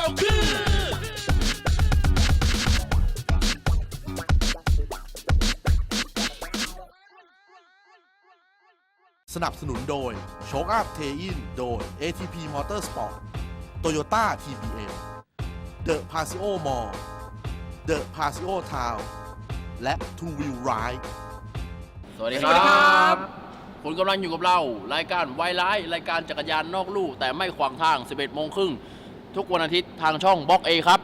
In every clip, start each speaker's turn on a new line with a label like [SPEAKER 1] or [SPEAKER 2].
[SPEAKER 1] เราคือสนับสนุนโดยโชคอัพเทอินโดย ATP Motorsport Toyota TBM The Paseo Mall The Paseo Town และ Two Wheel Ride
[SPEAKER 2] สวัสดีครับคุณกำลังอยู่กับเรารายการไวไลท์รายการจักรยานนอกลู่แต่ไม่ขวางทาง 11 โมงครึ่งทุกวันอาทิตย์ทางช่องบล็อก A ครับ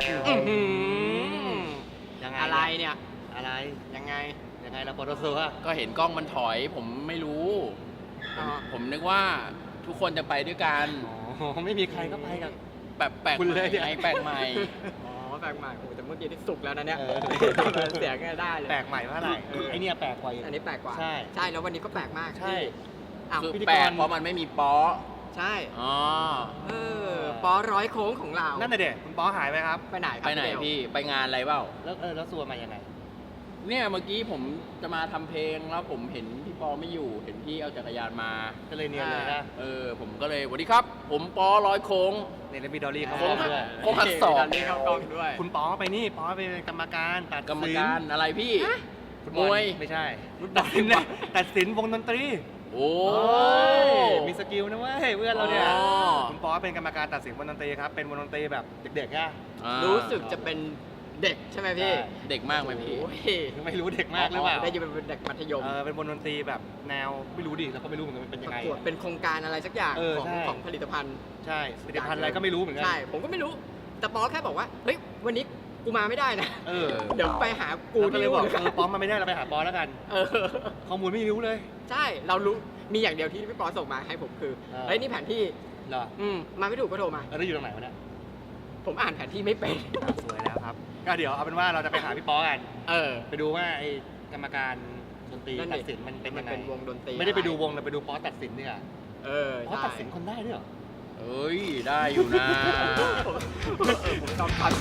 [SPEAKER 3] ยังไงอะไรเนี่ยอะไรยังไงเราปตสอะ
[SPEAKER 2] ก็เห็นกล้องมันถอยผมไม่รู้ผมนึกว่าทุกคนจะไปด้วยกัน
[SPEAKER 3] อ๋อไม่มีใครก็ไปกับ
[SPEAKER 2] แบบแปลกใหม่แปลกใหม่
[SPEAKER 3] อ๋อแปลกใหม่โอ้แต่เมื่อกี้ที่สุกแล้วนะเนี่ยเสียงได้เลยแปลกใหม่เพราะอะไรไอเนี่ยแปลกกว่าอันนี้แปลกกว่าใช่แล้ววันนี้ก็แปลกมากใช่
[SPEAKER 2] คือแปลกเพราะมันไม่มีป๊อ
[SPEAKER 3] ใช่ป๊อร้อยโค้งของเรานั่นน่ะเด็กคุณป๊อหายไปครับไปไหน
[SPEAKER 2] พี่ไปงานอะไรเปล่า
[SPEAKER 3] แล้วซัวมายังไง
[SPEAKER 2] เนี่ยเมื่อกี้ผมจะมาทำเพลงแล้วผมเห็นพี่ปอไม่อยู่เห็นพี่เอาจักรยานมา
[SPEAKER 3] ก็เลยเนียนเลยนะ
[SPEAKER 2] ผมก็เลยสวัสดีครับผมปอร้อยโค้ง
[SPEAKER 3] เนี่ยแล้วมีดอลลี่เขา
[SPEAKER 2] ด้วยโค้งหักศอก
[SPEAKER 3] เข้ากล้องด้วยคุณปอไปนี่ปอไปเป็นกรรมการตัด
[SPEAKER 2] กรรมการอะไรพี่มวย
[SPEAKER 3] ไม่ใช่ตัดสินวงดนตรี
[SPEAKER 2] โอ้
[SPEAKER 3] มีสกิลนะเว้ยเพื่อนเราเนี่ยคุณปอเป็นกรรมการตัดสินวงดนตรีครับเป็นวงดนตรีแบบเด็กๆอะรู้สึกจะเป็นเด็กใช่ไหมพี่
[SPEAKER 2] เด็กมากไหมพี่
[SPEAKER 3] ไม่รู้เด็กมากหรือเปล่าได้ยินเป็นเด็กมัธยมเป็นวงดนตรีแบบแนวไม่รู้ดิเราก็ไม่รู้เหมือนกันเป็นยังไงเป็นโครงการอะไรสักอย่างของผลิตภัณฑ์ใช่ผลิตภัณฑ์อะไรก็ไม่รู้เหมือนกันใช่ผมก็ไม่รู้แต่ป๊อแค่บอกว่าเฮ้ยวันนี้กูมาไม่ได้นะเดี๋ยวไปหากูก็เลยบอกป๊อมาไม่ได้เราไปหาป๊อแล้วกันข้อมูลไม่รู้เลยใช่เรารู้มีอย่างเดียวที่พี่ป๊อส่งมาให้ผมคือเฮ้ยนี่แผนที่เหรอมาไม่ถูกก็โทรมาแล้วอยู่ตรงไหนวะเนี่ยผมอ่านแผนที่ไม่เป็นสวยแล้วครับก็เดี๋ยวเอาเป็นว่าเราจะไปหาพี่ป๊อกันไปดูว่าไอ้กรรมการดนตรีตัดสินมันเป็นยังไงเป็นวงดนตรีไม่ได้ไปดูวงแต่ไปดูป๊อตัดสินเนี่ยป๊อตัดสินคนได้ด้วยเหรอ
[SPEAKER 2] ได้อยู่นะ
[SPEAKER 3] ผมจำทัน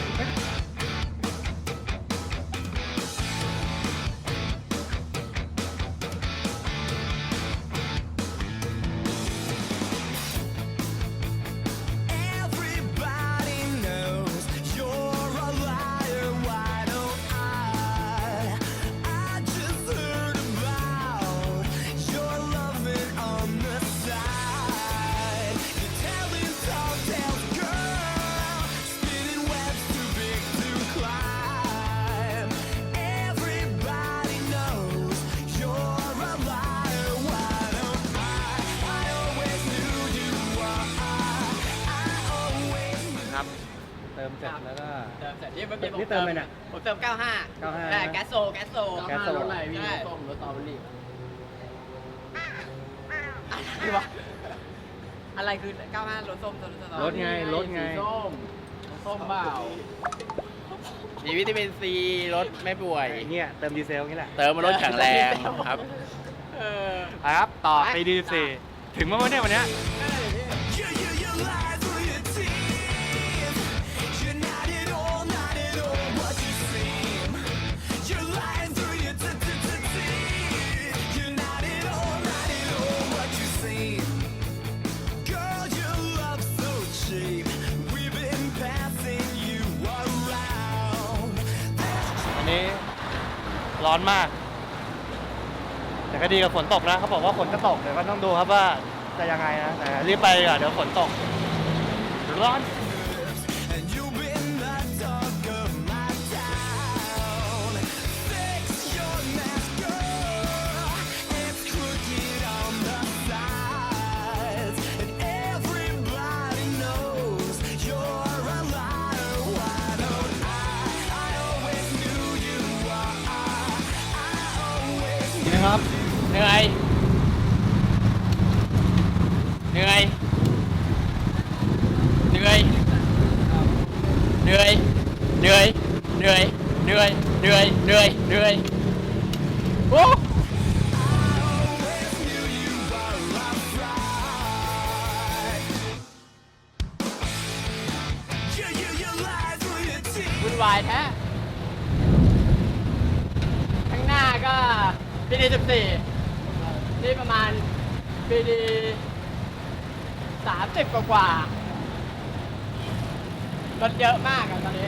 [SPEAKER 3] เติมเสร็จแล้วก็เติมเสร็จนี่เติมเลยเนี่ยผมเติม95แก๊สโซ
[SPEAKER 2] รถอะไรพี่รถส้มรถสตรอเบอรี่
[SPEAKER 3] อะไรคือ95รถส้มรถไง
[SPEAKER 2] ส้มเปล่ามีวิตามินซีรถไม่ป่วย
[SPEAKER 3] เนี่ยเติมดีเซลนี่แหละ
[SPEAKER 2] เติมมารถแข็งแรงครับ
[SPEAKER 3] ครับต่อไปดีเซลถึงเมื่อวันนี้ร้อนมากแต่ก็ดีกับฝนตกนะเขาบอกว่าฝนจะตกเดี๋ยวก็ต้องดูครับว่าจะยังไงนะแต่รีบไปก่อนเดี๋ยวฝนตกร้อนครับ
[SPEAKER 2] เหนื่อยโอ้วุ่นวายแท้ข้างหน้าก็ปีดี14นี่ประมาณปีดี30กว่า
[SPEAKER 3] รถเยอะมากอะตอนนี้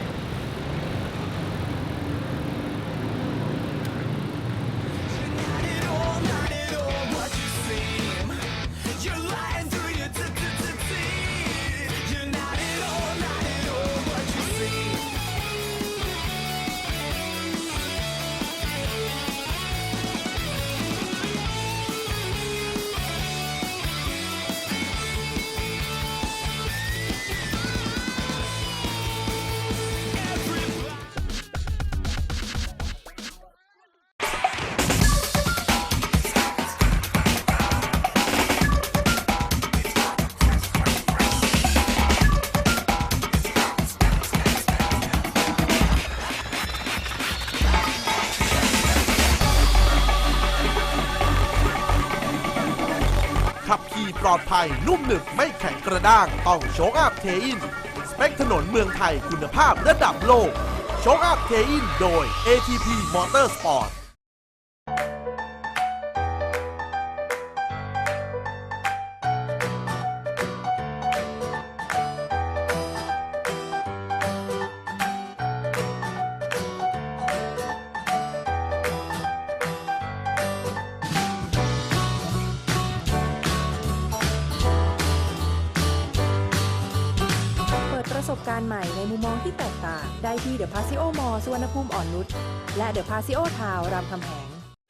[SPEAKER 1] ขับขี่ปลอดภัยนุ่มหนึบไม่แข็งกระด้างต้องโชคอัพเทอินสเปคถนนเมืองไทยคุณภาพระดับโลกโชคอัพเทอินโดย ATP Motorsport
[SPEAKER 4] เปิดประสบการณ์ใหม่ในมุมมองที่แตกต่างได้ที่เดอะพาซิโอมอสุวรรณภูมิอ่อนนุชและเดอะพาซิโอทาวรามคำแหง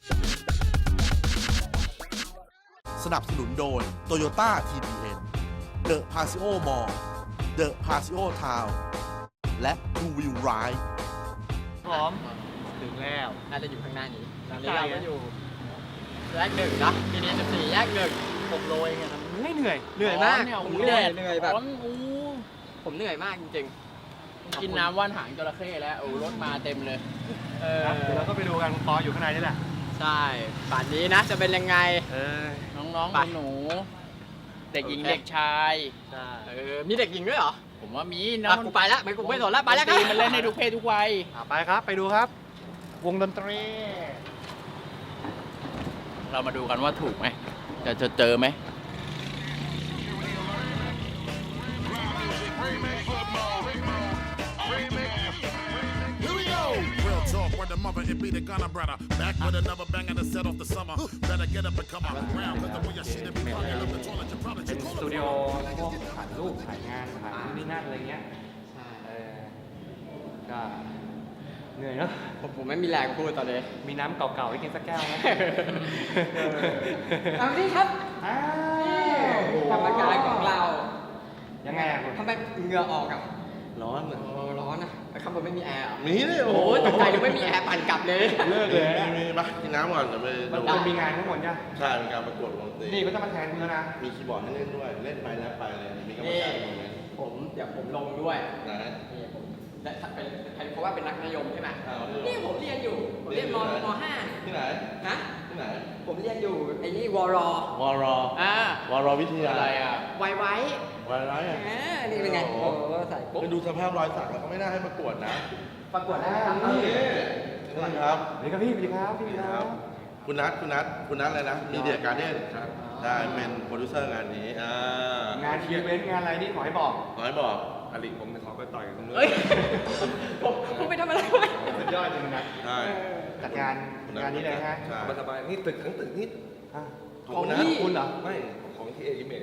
[SPEAKER 1] สนับสนุนโดย Toyota TBN The Paseo Mall The Paseo Town และ Two Wheel Ride
[SPEAKER 3] พร้อมถึงแล้วน่าจะอยู่ข้างหน้านี้ตอนนี้เราก็อยู่แยกหนึ่งนะทีนี้14แยกหนึ่ง6 โลเองอะเหนื่อยมากผมเหนื่อยแบบผมเหนื่อยมากจริงๆ
[SPEAKER 2] กินน้ำว่านหางจระเข้แล้วรถมาเต็มเลย
[SPEAKER 3] เดี๋ยวเราก็ไปดูกันปออยู่ข้างในนี่แหละใช่ป่านนี้นะจะเป็นยังไง
[SPEAKER 2] น้องๆหนูเด็กหญิงเด็กชาย
[SPEAKER 3] มีเด็กหญิงด้วยเหรอ
[SPEAKER 2] ผมว่ามีน้อง
[SPEAKER 3] กูไปแล้วกูไม่สนแล้วไปแล้ว
[SPEAKER 2] มันเล่นให้ทุกเพศทุกวัย
[SPEAKER 3] ไปครับไปดูครับวงดนตรี
[SPEAKER 2] เรามาดูกันว่าถูกไหมจะเจอไหม
[SPEAKER 5] The mother and be the gunner brother. Back with another bang and set off the summer. Better get up and come on around. Cause the way your shit be fucking up the toilet. You probably
[SPEAKER 3] เป็นสตูดิโอพวกถ่ายรูปถ่ายงานถ่ายนี่นั่นอะไรเงี้ยก็เหนื่อยเนาะผมไม่มีแรงพูดตอนนี้มีน้ำเก่าๆให้กินสักแก้วไหมเอาดิครับกรรมการของเรายังไงทำไมเหงื่อออกอ่ะร้อนร้อนนะข้างบนไม่มีแอร์
[SPEAKER 1] มีเลยโอ้
[SPEAKER 3] ตกใจยังไม่มีแอร์ปั่นกลับเลย
[SPEAKER 1] เลิกเลยมีปะกินน้ำก่อนเดี๋ยวไปดู
[SPEAKER 3] มันมีงานทั้งหมดใช่
[SPEAKER 1] ใช่เป็นการประกวดวงดนตรี
[SPEAKER 3] นี่ก็จะมาแทนมือนะ
[SPEAKER 1] มีคีย์บอร์ดให้เล่นด้วยเล่นไปแล้วไปเลยมีกรรมการ
[SPEAKER 3] เดี๋ยวผมลงด้วยนี่ผมเพราะว่าเป็นนักนิยมใช่ไหมนี่ผมเรียนอยู่ผมเรียนม.5
[SPEAKER 1] ที่ไหน
[SPEAKER 3] ฮะ
[SPEAKER 1] ที่ไหน
[SPEAKER 3] ผมเรียนอยู่ไอ้นี่วร
[SPEAKER 1] วิทยา
[SPEAKER 2] อะไรอ่ะ
[SPEAKER 3] ไว้นี่เป็นไงใส่ปุ๊บ
[SPEAKER 1] ไปดูสภาพรอยสักแล้วก็ไม่น่าให้ประกวดนะ
[SPEAKER 3] ประกวดได้ครับ
[SPEAKER 1] นี่ครับ
[SPEAKER 3] นี่ครับพี่ครับ
[SPEAKER 1] คุณนัทอะไรนะมีเดียการ์เด้นได้เป็นโปรดิวเซอร์งานนี้
[SPEAKER 3] งานอีเวนต์งานอะไรนี่ขอให้บอก
[SPEAKER 1] อลิผมขอไปต่อยกันตรงนู้น
[SPEAKER 3] ผมไปทำอะไรสุดยอดจริงนะจัดงานนี้เลยฮะ
[SPEAKER 1] สบายนี่ตึกทั้งตึกนี่
[SPEAKER 3] ของคุณเหรอ
[SPEAKER 1] ไม่ของที่เอลิเมท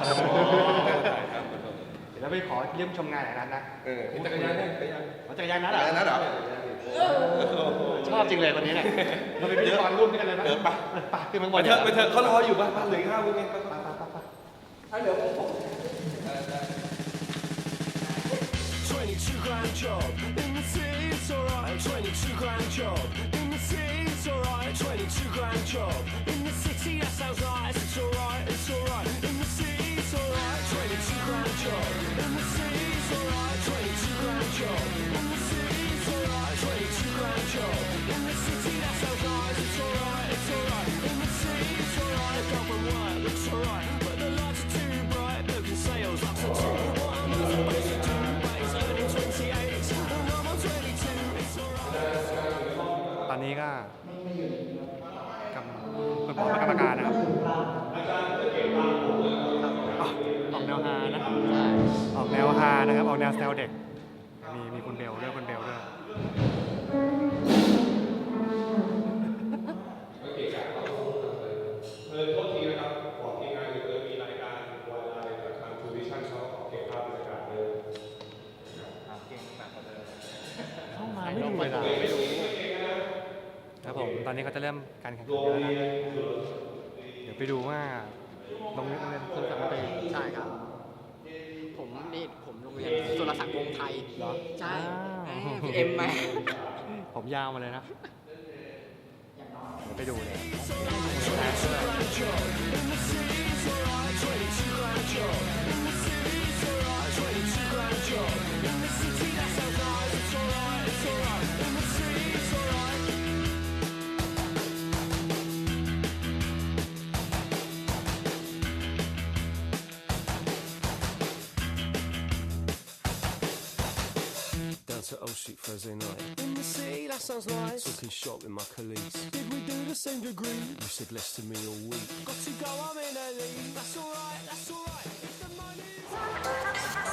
[SPEAKER 3] เดี๋ยวเราไปขอเยี่ยมชมงานอะไรนั้นนะ
[SPEAKER 1] จักรยานนั
[SPEAKER 3] ดเหรอชอบจริงเลยวันนี้เนี่ยเราไปพิธีกรร่วมกันเลยไหมไปขึ้นมาบน
[SPEAKER 1] ไปเถอะเขารออยู่บ้านเหลือ5 วิเอง
[SPEAKER 3] ไปเดี๋ยวผม
[SPEAKER 5] 22-grand job in the city, it's alright. 22-grand job in the city, it's alright. 22-grand job in the city, that sounds nice. It's alright, it's alright. In the city, it's alright. 22-grand job in the city, it's alright. 22-grand job in the city, it's alright. 22-grand job in the city, that sounds nice. It's alright, it's alright. In the city, it's alright. Government work looks alright, but the lights are too bright. Look at sales up to 2. What am I supposed to do?
[SPEAKER 3] ตอนนี้ก็กรรมการนะครับออกแนวฮานะออกแนวฮานะครับออกแนวแซวเด็กมีคุณเบลด้วยคุณเบลด้วย
[SPEAKER 6] โทษทีนะครับของทีมงานอยู่เลยมีรายการวายไลน์จากทางทูวิชั่นเขาเก็บภาพบรรยากาศเลย
[SPEAKER 3] เก่งหนักกว่าเดิม
[SPEAKER 2] เข้ามาไม่ดูเวลา
[SPEAKER 3] ครับผมตอนนี้เขาจะเริ่มการแข่งขันแล้วนะครับเดี๋ยวไปดูว่าโรงเรียนสุรศักดิ์มันเป็น
[SPEAKER 7] ใช่ครับ ผมโรงเรียนสุรศักดิ์วงศ์ไทย
[SPEAKER 3] เหรอ
[SPEAKER 7] ใช่
[SPEAKER 3] อ้าว
[SPEAKER 7] พี่เอ็มไหม
[SPEAKER 3] ผมยาวมาเลยนะเดี๋ยวไปดูเลย
[SPEAKER 5] Down to Old Street Thursday night. In the city, that sounds nice. Talking shop with my colleagues. Did we do the same degree? You said less to me all week. Got to go, I'm in early. That's alright, that's alright. If the money's...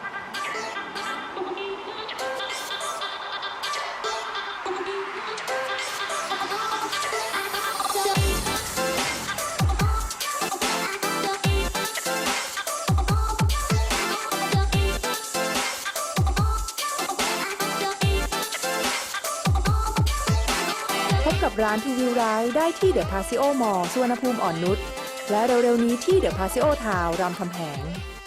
[SPEAKER 4] พบกับร้านทูวิวไรด์ได้ที่เดอะพาซิโอมอลล์สุวรรณภูมิอ่อนนุชและเร็วๆนี้ที่เดอะพาซิโอทาวน์รามคำแหง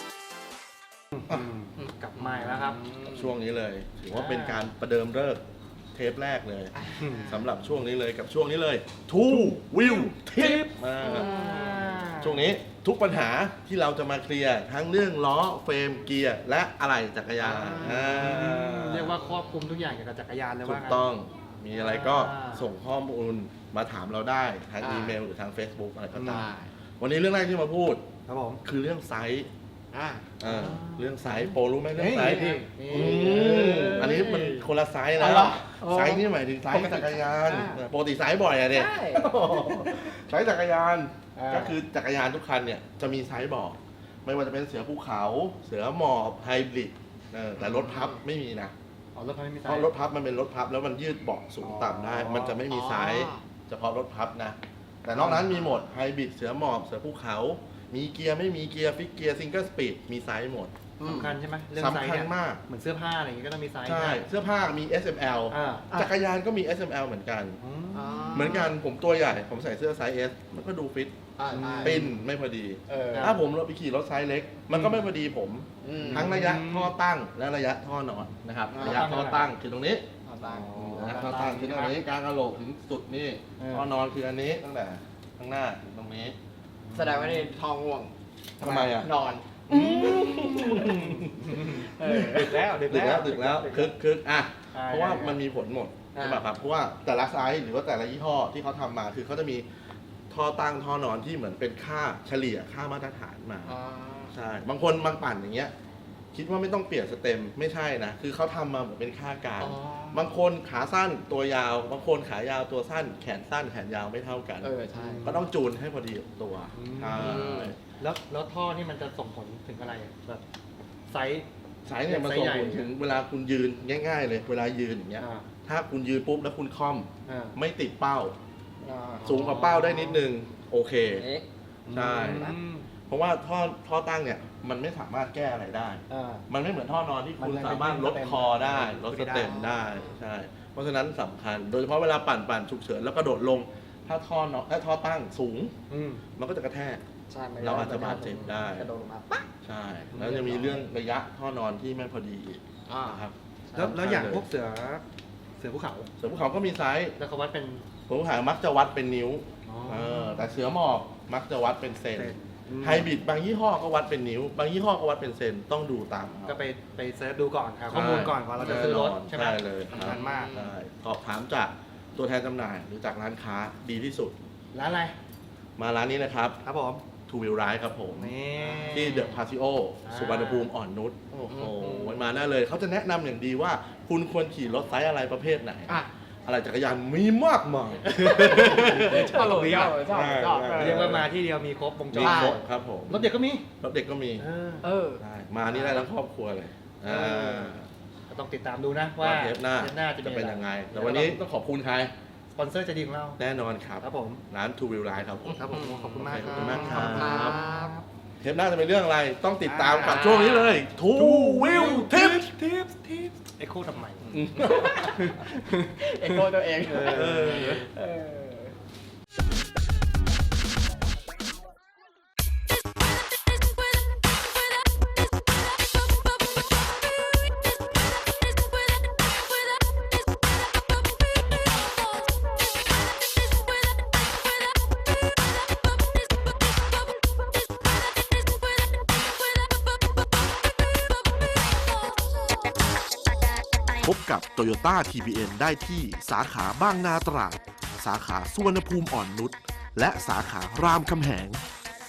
[SPEAKER 3] กลับมาแล้วครับ
[SPEAKER 1] ช่วงนี้เลยถือว่าเป็นการประเดิมฤกษ์เทปแรกเลยสำหรับช่วงนี้เลยกับช่วงนี้เลยทูวิวทิปช่วงนี้ทุกปัญหาที่เราจะมาเคลียร์ทั้งเรื่องล้อเฟรมเกียร์และอะไหล่จักรยาน
[SPEAKER 3] เรียกว่าครอบคลุมทุกอย่างเกี่ยวกับจักรยานเลย
[SPEAKER 1] ถู
[SPEAKER 3] ว่าก งั้น
[SPEAKER 1] ต้องมีอะไรก็ส่งข้อมูลมาถามเราได้ทางอีเมลหรือทาง Facebook อะไรก็ตามวันนี้เรื่องแรกที่มาพูด
[SPEAKER 3] ครับผม
[SPEAKER 1] คือเรื่องไซส์
[SPEAKER 7] อ่า
[SPEAKER 1] เรื่องไซส์โปรรู้ไหมเรื่องไซส์
[SPEAKER 3] นี่
[SPEAKER 1] อันนี้มันคนละไซส์นะไซส์นี่หมายถึงไซส์จักรยานปกติไซส์บ่อยอะเนี่ยไซส์จักรยานก็คือจักรยานทุกคันเนี่ยจะมีไซส์บอกไม่ว่าจะเป็นเสือภูเขาเสือหมอบไฮบริดแต่รถพับไม่มีนะ
[SPEAKER 3] อ๋อรถพับไม่มีไซ
[SPEAKER 1] เพราะ
[SPEAKER 3] ส์
[SPEAKER 1] รถพับมันเป็นรถพับแล้วมันยืดเบาะสูงต่ำได้ มันจะไม่มีไซส์เฉพาะรถพับนะ แต่นอกนั้นมีหมดไฮบริดเสือหมอบเสือภูเขา มีเกียร์ไม่มีเกียร์ฟิกเกียร์ซิงเกิลสปีดมีไซส์หมด
[SPEAKER 3] สำคัญใช่ไหมเรื่องไซส์
[SPEAKER 1] สำคัญ
[SPEAKER 3] เนี่ย
[SPEAKER 1] มาก
[SPEAKER 3] เหมือนเสื้อผ้าอะไรอย่างงี้ก็ต้องมีไซส์
[SPEAKER 1] ใช่เสื้อผ้ามี SML จักรยานก็มี SML เหมือนกัน เหมือนกันผมตัวใหญ่ผมใส่เสื้อไซส์ S มันก็ดูฟิตปิ้นไม่พอดี ถ้าผมไปขี่รถไซส์เล็ก มันก็ไม่พอดีผมทั้งระยะท่อตั้งและระยะท่อนอนนะครับระยะท่อตั้งคือตรงนี้ท่อตั้งคือตรงนี้กลางกระโหลกถึงสุดนี่ท่อนอนคืออันนี้ตั้งแต่ข้างหน้าถึงตรงนี้
[SPEAKER 7] แสดงว่านี่ทองง่วง
[SPEAKER 1] ทำไมอ่ะ
[SPEAKER 7] นอน
[SPEAKER 3] ดึกแล้ว
[SPEAKER 1] ดึกแล้วคึกอ่ะเพราะว่ามันมีผลหมดใช่ป่ะครับเพราะว่าแต่ละไซส์หรือว่าแต่ละยี่ห้อที่เขาทำมาคือเขาจะมีท่อตั้งท่อนอนที่เหมือนเป็นค่าเฉลี่ยค่ามาตรฐานมาใช่บางคนบางปั่นอย่างเงี้ยคิดว่าไม่ต้องเปลี่ยนสเต็มไม่ใช่นะคือเขาทำมาเหมือนเป็นค่ากลางบางคนขาสั้นตัวยาวบางคนขายาวตัวสั้นแขนสั้นแขนยาวไม่เท่ากัน
[SPEAKER 7] ใช่
[SPEAKER 1] ก็ต้องจูนให้พอดีกับตัวใช่
[SPEAKER 3] แล้วท่อนี่มันจะส่งผลถึงอะไรแบบไซส์
[SPEAKER 1] สายเนี่ยมันส่งผลถึงเวลาคุณยืนง่ายๆเลยเวลายืนอย่างเงี้ยถ้าคุณยืนปุ๊บแล้วคุณค่อมไม่ติดเป้าสูงกว่าเป้าได้นิดนึงโอเคใช่เพราะว่าท่อตั้งเนี่ยมันไม่สามารถแก้อะไรได้มันไม่เหมือนท่อนอนที่คุณสามารถลดคอได้ลดสเต็มได้ใช่เพราะฉะนั้นสำคัญโดยเฉพาะเวลาปั่นฉุกเฉินแล้วกระโดดลงถ้าท่อตั้งสูงมันก็จะกระแทกเราอาจจะบาดเจ็บได้
[SPEAKER 7] กระโดดลงมาปั๊บ
[SPEAKER 1] ใช่แล้วจะมีเรื่องระยะท่อนอนที่ไม่พอดีอีกนะครับ
[SPEAKER 3] แล้วอย่างพวกเสือภูเขา
[SPEAKER 1] เสือภูเขาก็มีไซส์
[SPEAKER 3] แล้วเขาวัดเป็น
[SPEAKER 1] เสือภูเขามักจะวัดเป็นนิ้วแต่เสือหมอบมักจะวัดเป็นเซนไฮบริดบางยี่ห้อก็วัดเป็นนิ้ว บางยี่ห้อก็วัดเป็นเซนต้องดูตาม
[SPEAKER 3] ก็ไปเซิร์ชดูก่อนครับข้อมูลก่อนว่าเราจะซื้อรถใช่ไหม
[SPEAKER 1] ใช่เลย
[SPEAKER 3] สำคัญมาก
[SPEAKER 1] ใช่สอบถามจากตัวแทนจำหน่ายหรือจากร้านค้าดีที่สุด
[SPEAKER 3] ร้านอะไร
[SPEAKER 1] มาร้านนี้นะครับ
[SPEAKER 3] ครับผม
[SPEAKER 1] ทูวิลไรด์ครับผม
[SPEAKER 3] นี่
[SPEAKER 1] ที่เดอะพาซิโอสุวรรณภูมิอ่อนนุชโอ้โหมาได้เลยเขาจะแนะนำอย่างดีว่าคุณควรขี่รถไซส์อะไรประเภทไหน อะไรจักรยานมีมากมาย
[SPEAKER 7] ชอบ
[SPEAKER 3] เรียกว่ามาที่เดียวมีครบวงจร
[SPEAKER 1] มีครบครับผม
[SPEAKER 3] รถเด็กก็มี
[SPEAKER 1] รถเด็กก็มี
[SPEAKER 7] เออ
[SPEAKER 1] ใช่มานี่ได้ทั้งครอบครัวเลย
[SPEAKER 3] ก็ต้องติดตามดูนะว่า
[SPEAKER 1] เทปหน้าจะเป็นยังไงแต่วันนี้ต้องขอบคุณใคร
[SPEAKER 3] สปอนเซอร์ใจดีของเรา
[SPEAKER 1] แน่นอนครับ
[SPEAKER 3] ครับผม
[SPEAKER 1] ร้าน Two Wheel Ride ครับผม
[SPEAKER 3] ครับผมขอบคุณมาก
[SPEAKER 1] ขอบคุณมากครับ
[SPEAKER 7] บ
[SPEAKER 1] เทปหน้าจะเป็นเรื่องอะไรต้องติดตามกับช่วงนี้เลย Two Wheel Tips
[SPEAKER 3] เอ็กโคทำไม
[SPEAKER 7] เอ็กโคตัวเอง
[SPEAKER 1] พบกับ Toyota TBN ได้ที่สาขาบางนาตราดสาขาสุวรรณภูมิอ่อนนุชและสาขารามคำแหง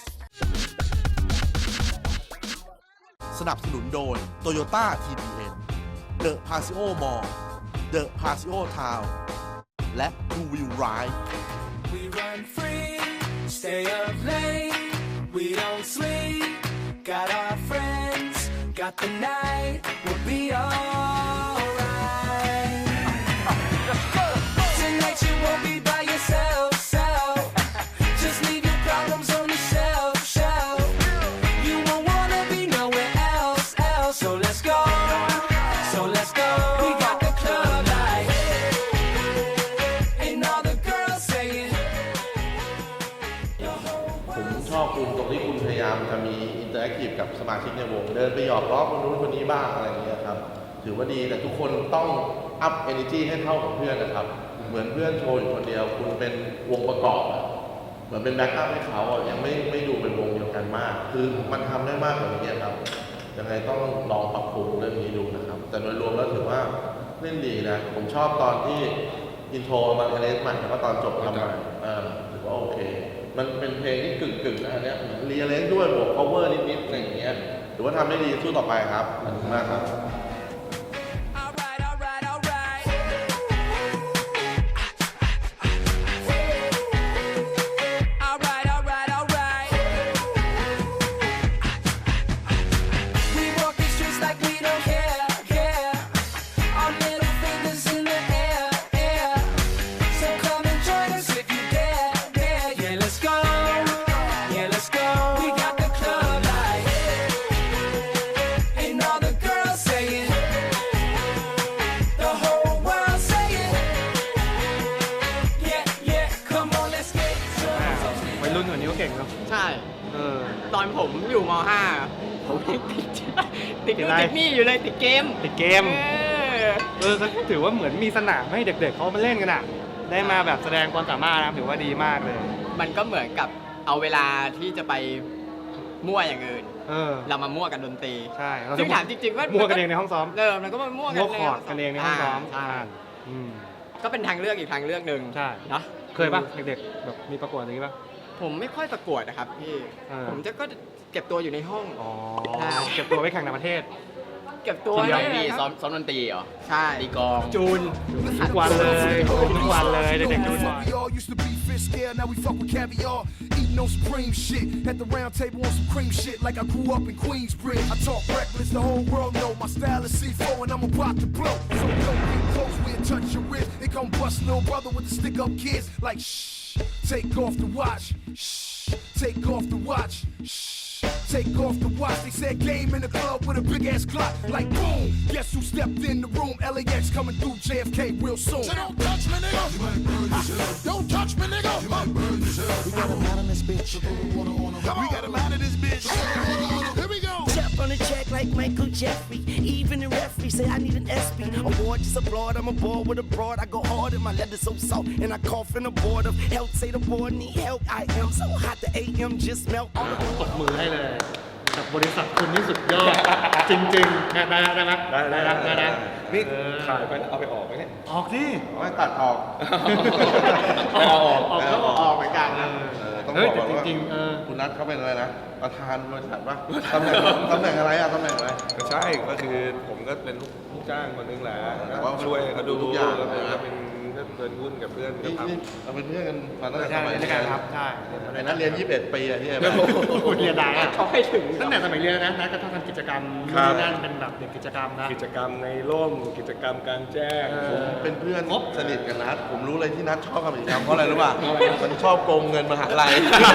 [SPEAKER 1] สนับสนุนโดย Toyota TBN The Paseo Mall The Paseo Town และ Two Wheel Ride
[SPEAKER 5] We run free, stay up late, we don't sleep. Got our friends, got the night, we'll be alright. Tonight you won't be by yourself, just leave your problems on the shelf. You won't wanna be nowhere else. So let's go, we got the club light, and all the girls saying.
[SPEAKER 1] ผมชอบคุณตรงที่คุณพยายามจะมีอินเตอร์แอคทีฟกับสมาชิกในวงเดินไปหยอกล้อคนนู้นคนนี้บ้างอะไรอย่างเงี้ยครับถือว่าดีแต่ทุกคนต้องอัพเอเนจีให้เท่ากับเพื่อนนะครับเหมือนเพื่อนโชว์อยู่คนเดียวคุณเป็นวงประกอบอะเหมือนเป็นแบ็คอัพให้เขาอะยังไม่ดูเป็นวงเดียวกันมากคือมันทำได้มากกว่านี้ครับยังไงต้องลองปรับปรุงเรื่องนี้ดูนะครับแต่โดยรวมแล้วถือว่าเล่นดีนะผมชอบตอนที่อินโทรมันเอเลสใหม่แล้วก็ตอนจบทำใหม่ถือว่าโอเคมันเป็นเพลงที่กึ่งๆนะอันเนี้ยเหมือนรีเลนด้วยบวก cover นิดๆอะไรอย่างเงี้ยถือว่าทำได้ดีสู้ต่อไปครับขอบคุณมากครับ
[SPEAKER 7] ใช่ตอนผมอยู่ม.5 ผมติดนี่อยู่เลยติดเกม
[SPEAKER 3] ถือว่าเหมือนมีสนามให้เด็กๆเขามาเล่นกันอ่ะได้มาแบบแสดงความสามารถนะถือว่าดีมากเลย
[SPEAKER 7] มันก็เหมือนกับเอาเวลาที่จะไปมั่วอย่างอื่นเรามามั่วกันดนตรี
[SPEAKER 3] ใช่
[SPEAKER 7] ซึ่งถามจริงๆว่า
[SPEAKER 3] มั่วกันเองในห้องซ้อม
[SPEAKER 7] มันก็มามั่ว
[SPEAKER 3] คอร์ดกันเองในห้องซ้อม
[SPEAKER 7] ก็เป็นทางเลือกอีกทางเลือกหนึ่ง
[SPEAKER 3] ใช่
[SPEAKER 7] เนาะ
[SPEAKER 3] เคยป่ะเด็กๆแบบมีประกวดอย่างนี้ป่ะ
[SPEAKER 7] ผมไม่ค่อยประกวดนะครับพี่ผมจะก็เก็บตัวอยู่ในห้อง
[SPEAKER 3] เก็บตัวไว้แข่งต่างประเทศ
[SPEAKER 7] เก็บตัว
[SPEAKER 2] นี่ซ้อมดนตรีเหรอ
[SPEAKER 7] ใช่
[SPEAKER 2] ตีกลอง
[SPEAKER 7] จูน
[SPEAKER 3] ทุกวันเลยเด็กๆจูน
[SPEAKER 5] Now we fuck with caviar, eating on supreme shit. At the round table on some cream shit, like I grew up in Queensbridge. I talk reckless, the whole world know my style is C4 and I'm about to blow. So don't get close, we'll touch your wrist. They gon' bust little brother with the stick up kids. Like shh, take off the watch. Shh, take off the watch. Shh. Take off the watch, they said game in the club with a big ass clock. Like boom, guess who stepped in the room? LAX coming through JFK real soon. So don't touch me, nigga. You might burn yourself. Don't touch me, nigga. You might burn yourself. We got him out of this bitch. We got him out of this bitch. Here we go. Step on the check like Michael Jeffrey. Even the referee say I need an SP. Award just applaud, I'm aboard with a broad. I go hard and my leather so soft. And I cough in the board of health. Say the board need help. I am so hot the AM just melt all the
[SPEAKER 3] ตบมือให้เลยกับบริษัทคุณนี่สุดยอดจริงๆได้ไหมได้
[SPEAKER 1] นี่ถ่ายไปเอาไปออกไหมเนี่ย
[SPEAKER 3] ออกดิ
[SPEAKER 1] ไม่ตัดออก
[SPEAKER 7] ออกเหมือนกันนะ
[SPEAKER 1] ต้องบอกว่าจริงๆคุณนัทเขาเป็นอะไรนะประธานบริษัทป่ะตำแหน่งอะไรตำแหน่งอะไร
[SPEAKER 6] ใช่ก็คือผมก็เป็นลูกจ้างคนนึงแหละแต่ว่าช่วยเขาดูทุกอย่างแล้วเป็นก็เพื่อนหุ้นกับเพื่อน
[SPEAKER 1] นี่
[SPEAKER 6] ทำ
[SPEAKER 1] เราเป็นเพื่อนกันมาตั้งแต่
[SPEAKER 3] ใช่
[SPEAKER 1] สมัย
[SPEAKER 3] ในการครับใช่
[SPEAKER 1] ไอ้นักเรียน21 ปีอะที่ไอ้
[SPEAKER 3] เรียนได้อะ
[SPEAKER 7] เขาให้ถึง
[SPEAKER 3] ตั้งแต่สมัยเรียนนะนัดก็ต้องทำกิจกรรม
[SPEAKER 6] ครับ
[SPEAKER 3] นั่นเป็นแบบเด็กกิจกรรมนะ
[SPEAKER 6] กิจกรรมในร่มกิจกรรมกลางแจ้ง
[SPEAKER 1] ผมเป็นเพื่อนสนิทกันนัดผมรู้เลยที่นัดชอบทำกิจกรรมเพราะอะไรรู้ป่ะมันชอบโกงเงินมหาลัย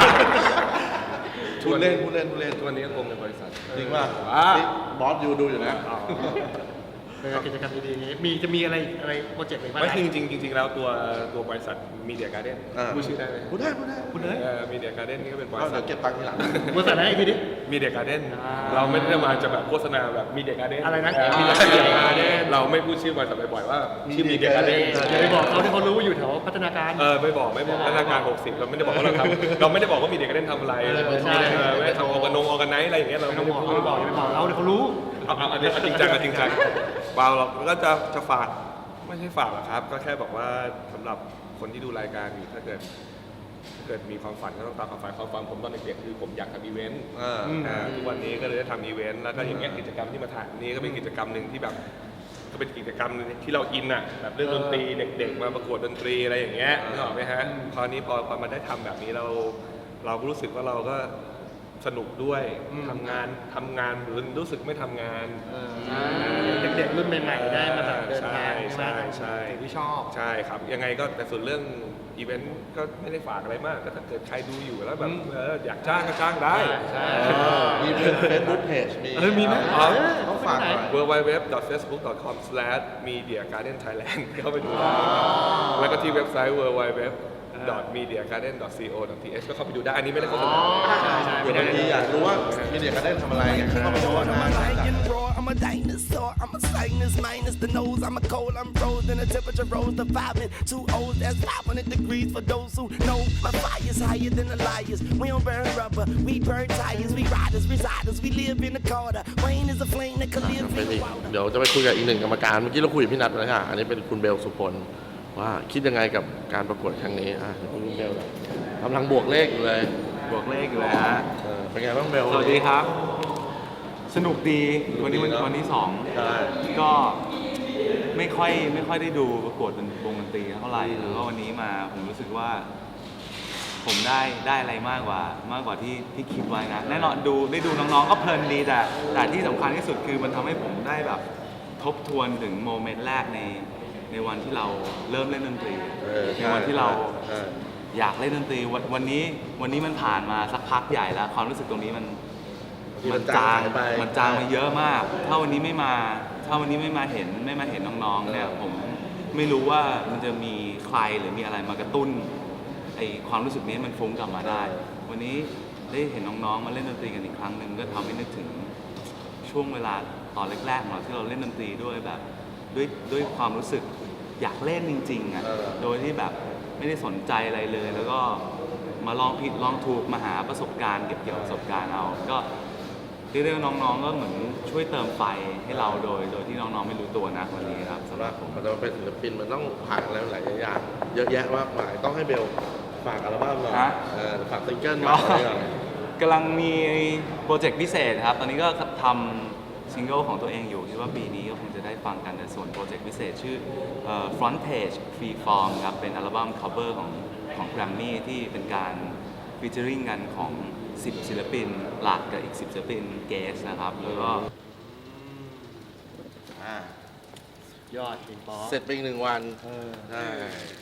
[SPEAKER 1] พูดเล่น
[SPEAKER 6] ทุกวันนี้ก็คงในบริษัท
[SPEAKER 1] จริงป่ะนี่บอสอยู่ดูอยู่นะ
[SPEAKER 3] กิจกรรมดีๆอย่างนี้จะมีอะไรโปรเจกต์อะไรบ้าง
[SPEAKER 6] ไม่คือจริงๆแล้วตัวบริษัทมีเดียการ์เด้นพูดชื่อได้ไหม
[SPEAKER 1] พูดได้
[SPEAKER 3] คุณเลย
[SPEAKER 6] มีเดียการ์เด้นนี่ก็เป็นบ
[SPEAKER 1] ก็
[SPEAKER 6] ริษั
[SPEAKER 1] เดี๋
[SPEAKER 6] ท
[SPEAKER 1] ยวเก็บตังค์ทีหลัง
[SPEAKER 3] บริษัทอะไรพี่ดิ
[SPEAKER 6] มีเดียการ์เด้นเราไม่ได้มาจะแบบโฆษณาแบบมีเดียการ์เด้น
[SPEAKER 3] อะไรนะ
[SPEAKER 6] มีเดียการ์เด้นเราไม่พูดชื่อบริษัทบ่อยๆว่าชื่อมีเดียการ์เด้น
[SPEAKER 3] อย่าไปบอกเขาที่เขารู้ว่าอยู่แถวพัฒนาการ
[SPEAKER 6] ไม่บอกพัฒนาการ60เราไม่ได้บอกว่าเราทำเราไม่ได้บอกว่ามีเดียการ์เด้นทำอะไร
[SPEAKER 3] ใช่
[SPEAKER 6] ไม่ได้ทำออร์แกไนซ์อะไรอย่างเงี้ยเรา
[SPEAKER 3] ไม่
[SPEAKER 6] ไม่
[SPEAKER 3] ต้อง
[SPEAKER 6] ได้
[SPEAKER 3] บอก
[SPEAKER 6] พูด
[SPEAKER 3] อย่าไปบอกเราเดี๋ยวเขารู้
[SPEAKER 6] อันนี้จริงจังเปล่าเราก็จะฝากไม่ใช่ฝากหรอกครับ ก็แค่บอกว่าสำหรับคนที่ดูรายการอยู่ถ้าเกิดมีความฝันก็ต้องตามความฝันผมตอนเด็กๆคือผมอยากทำอีเวนต์ทุกวันนี้ก็เลยได้ทำอีเวนต์แล้วก็อย่างเงี้ยกิจกรรมที่มาถ่ายนี้ก็เป็นกิจกรรมหนึ่งที่แบบก็เป็นกิจกรรมที่เราอินอ่ะแบบเรื่องดนตรีเด็กๆมาประกวดดนตรีอะไรอย่างเงี้ยนึกออกไหมฮะพอมาได้ทำแบบนี้เราก็รู้สึกว่าเราก็สนุกด้วยทำงานหรือรู้สึกไม่ทำงาน
[SPEAKER 3] เด็กๆรุ่นใหม่ๆได้มาแบบเดินทาง
[SPEAKER 6] ใช่
[SPEAKER 3] ที่ชอบ
[SPEAKER 6] ใช่ครับยังไงก็แต่ส่วนเรื่องอีเวนต์ก็ไม่ได้ฝากอะไรมากก็ถ้าเกิดใครดูอยู่แล้วแบบอยากจ้างก็จ้างได้
[SPEAKER 1] มีเป็นเฟซบุ๊กเพจมี
[SPEAKER 6] มีไหม
[SPEAKER 1] ต้องฝากหน่อย
[SPEAKER 6] www.facebook.com/mediagardenthailand เข้าไปดูได้แล้วก็ที่เว็บไซต์ www.mediagarden.co.th ก็เข้าไปดูได้อันนี้ไม่ได้โฆษณา
[SPEAKER 1] เดี๋ยวบางทีอยากรู้ว่ามีเดียการ์เด้นทำอะไรเนี่ยเข้าไปดูว่า
[SPEAKER 5] I'm a lion roar, I'm a dinosaur, I'm a sinus minus the nose, I'm a cold, I'm frozen, the temperature rose to 5 and 2 O's, that's 500 degrees for those who know my fire's higher than the liars. We don't burn rubber, we burn tires, we riders, residers, we live in the Carter. Wayne is a flame that could live
[SPEAKER 1] ไป
[SPEAKER 5] in
[SPEAKER 1] อี
[SPEAKER 5] the
[SPEAKER 1] ก
[SPEAKER 5] water.
[SPEAKER 1] เดี๋ยวจะไปคุยกับอีกหนึ่งกรรมการเมื่อกี้เราคุยกับพี่นัทไปแล้วค่ะอันนี้เป็นคุณเบลสุพลว่าคิดยังไงกับการประกวดครั้งนี้คุณเบลกำลังบวกเลขอยู่เลย
[SPEAKER 8] บวกเลขอยู่เลยฮะ
[SPEAKER 1] เป็นไงบ้างเบล
[SPEAKER 8] สวัสดีครับ สนุกดีวันนี้
[SPEAKER 1] สนุกดีเนอะ
[SPEAKER 8] วันที่สอง
[SPEAKER 1] ใช่
[SPEAKER 8] ก็ไม่ค่อยได้ดูประกวดวงดนตรีเท่าไหร่แล้วก็วันนี้มาผมรู้สึกว่า ผมได้อะไรมากกว่าที่คิดไว้นะแน่นอนได้ดูน้องๆก็เพลินดีแต่ที่สำคัญที่สุดคือมันทำให้ผมได้แบบทบทวนถึงโมเมนต์แรกในวันที่เราเริ่มเล่นดนตรีในวันที่เราอยากเล่นดนตรีวันนี้มันผ่านมาสักพักใหญ่แล้วความรู้สึกตรงนี้มันจางมาเยอะมากถ้าวันนี้ไม่มาเห็นน้องๆเนี่ยผมไม่รู้ว่ามันจะมีใครหรือมีอะไรมากระตุ้นไอความรู้สึกนี้มันฟุ้งกลับมาได้ วันนี้ได้เห็นน้องๆมาเล่นดนตรีกันอีกครั้งหนึ่งก็ทำให้นึกถึงช่วงเวลาตอนแรกๆของเราที่เราเล่นดนตรีด้วยแบบด้วยความรู้สึกอยากเล่นจริงๆอ่ะโดยที่แบบไม่ได้สนใจอะไรเลย แล้วก็มาลองผิดลองถูกมาหาประสบการณ์เก็บเกี่ยวประสบการณ์เอาก็เรียกได้ว่าน้องๆก็เหมือนช่วยเติมไฟให้เราโดยที่น้องๆไม่รู้ตัวนะวันนี้ครับสำหรับผม
[SPEAKER 1] มันจะเป็นศิลปินมันต้องผ่านอะไรหลายอย่างเยอะแยะมากมายต้องให้เบลฝากอัลบั้มหน่อยฝากซิงเกิลมาหน่อย
[SPEAKER 8] กำลังมีโปรเจกต์พิเศษครับตอนนี้ก็ทำซิงเกิลของตัวเองอยู่คิดว่าปีนี้ก็คงจะได้ฟังกันแต่ส่วนโปรเจกต์พิเศษชื่อFront Page Free Form ครับเป็นอัลบั้ม cover ของ Grammy ที่เป็นการฟีเจอริงกันของ10ศิลปินหลักกับอีก10ศิลปินเกสนะครับแล้วก็
[SPEAKER 3] ยอดจริงป๊อ
[SPEAKER 1] เสร็จไปอีก1 วันใช่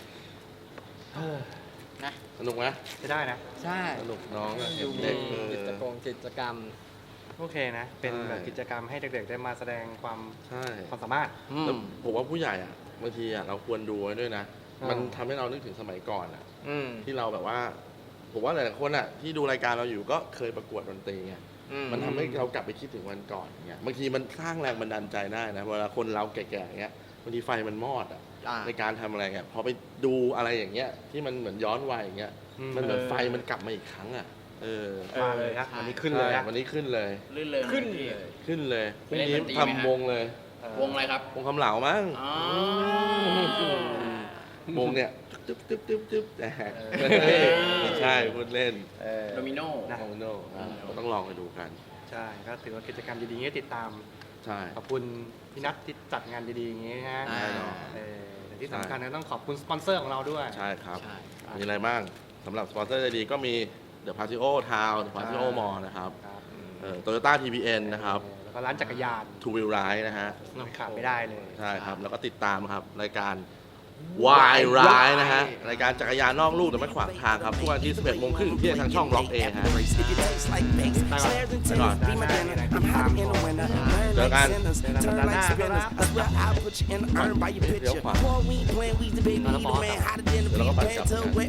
[SPEAKER 1] สนุกไหม
[SPEAKER 3] จะได้นะ
[SPEAKER 7] ใช่
[SPEAKER 1] สนุกน้องเห็
[SPEAKER 7] ดู
[SPEAKER 1] น
[SPEAKER 7] มี
[SPEAKER 1] เด็ก
[SPEAKER 7] กิจกรรม
[SPEAKER 3] โอเคนะ เป็นแบบกิจกรรมให้เด็กๆได้มาแสดงความ
[SPEAKER 1] ใช่
[SPEAKER 3] สามารถ
[SPEAKER 1] แล้วผมว่าผู้ใหญ่บางทีเราควรดูไว้ด้วยนะ
[SPEAKER 3] อ่ามั
[SPEAKER 1] มันทำให้เรานึกถึงสมัยก่อนที่เราแบบว่าผมว่าหลายๆคนที่ดูรายการเราอยู่ก็เคยประกวดดนตรีไงมันทำให้เรากลับไปคิดถึงวันก่อนอย่างเงี้ยบางทีมันสร้างแรงบันดาลใจได้นะเวลาคนเราแก่ๆอย่างเงี้ยบางทีไฟมันมอดในการทำอะไรเงี้ยพอไปดูอะไรอย่างเงี้ยที่มันเหมือนย้อนวัยอย่างเงี้ยมันเหมือนไฟมันกลับมาอีกครั้ง
[SPEAKER 3] มาเลยครับวันนี้ขึ้นเลย
[SPEAKER 1] วันนี้ขึ้นเลย
[SPEAKER 2] ลื่นเลย
[SPEAKER 7] ขึ้น
[SPEAKER 1] ขึ้นเลยพ
[SPEAKER 2] ไป
[SPEAKER 1] รุ่ง
[SPEAKER 2] เล่น
[SPEAKER 1] นี้
[SPEAKER 2] ดนตรีไหมฮะ
[SPEAKER 1] ทำวงเลยว
[SPEAKER 2] งอะไรครับ
[SPEAKER 1] วงคำเหลามั้ง
[SPEAKER 2] อ๋อ
[SPEAKER 1] วงเนี่ยจึ๊บจึ๊บจึ๊บจึ๊บแต่ไม่ใช่พูดเล่น
[SPEAKER 2] โดมิโน
[SPEAKER 1] โมโน่ก็ต้องลองไปดูกัน
[SPEAKER 3] ใช่ก็ถือว่ากิจกรรมดีๆอย่างนี้ติดตาม
[SPEAKER 1] ใช่
[SPEAKER 3] ขอบคุณพี่นัทที่จัดงานดีๆอย่างนี้นะ
[SPEAKER 1] แน่นอน
[SPEAKER 3] เดี๋ยวที่สำคัญนะต้องขอบคุณสปอนเซอร์ของเราด้วย
[SPEAKER 1] ใช่ครับมีอะไรบ้างสำหรับสปอนเซอร์ใจดีก็มี The Paseo Town The Paseo Mall นะครับToyota TPN นะครับ
[SPEAKER 3] แล้วก็ร้านจักรยาน
[SPEAKER 1] Two Wheel Ride นะฮะ
[SPEAKER 3] ขาดไม่ได้เลย
[SPEAKER 1] ใช่ครับแล้วก็ติดตามครับรายการ Why Ride นะฮะรายการจักรยานนอกลู่แต่ไม่ขวางทางครับทุกวันที่ 11:30 นที่ทางช่อง Block A ฮะไปก่อนเจอกันเดี๋ยวขวาแล้วก็ปั่นกลั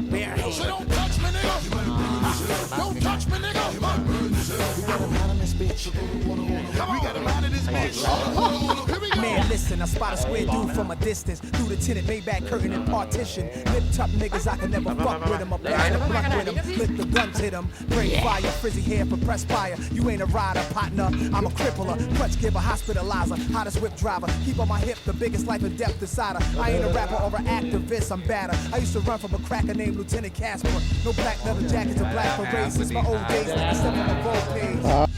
[SPEAKER 1] บ
[SPEAKER 5] Man, listen, I spot a square dude from a distance. Through the tinted Maybach curtain and partition. Lip top niggas, I can never fuck with them. I'm back to blunt with them. Lick the guns, hit them. Bring fire, frizzy hair for press fire. You ain't a rider, partner. I'm a crippler. Clutch giver, hospitalizer. Hottest whip driver. Keep on my hip, the biggest life and death decider. I ain't a rapper or an activist, I'm badder. I used to run from a cracker named Lieutenant Casper. No black leather jackets or black berets since my old days. Like I stepped on the road page.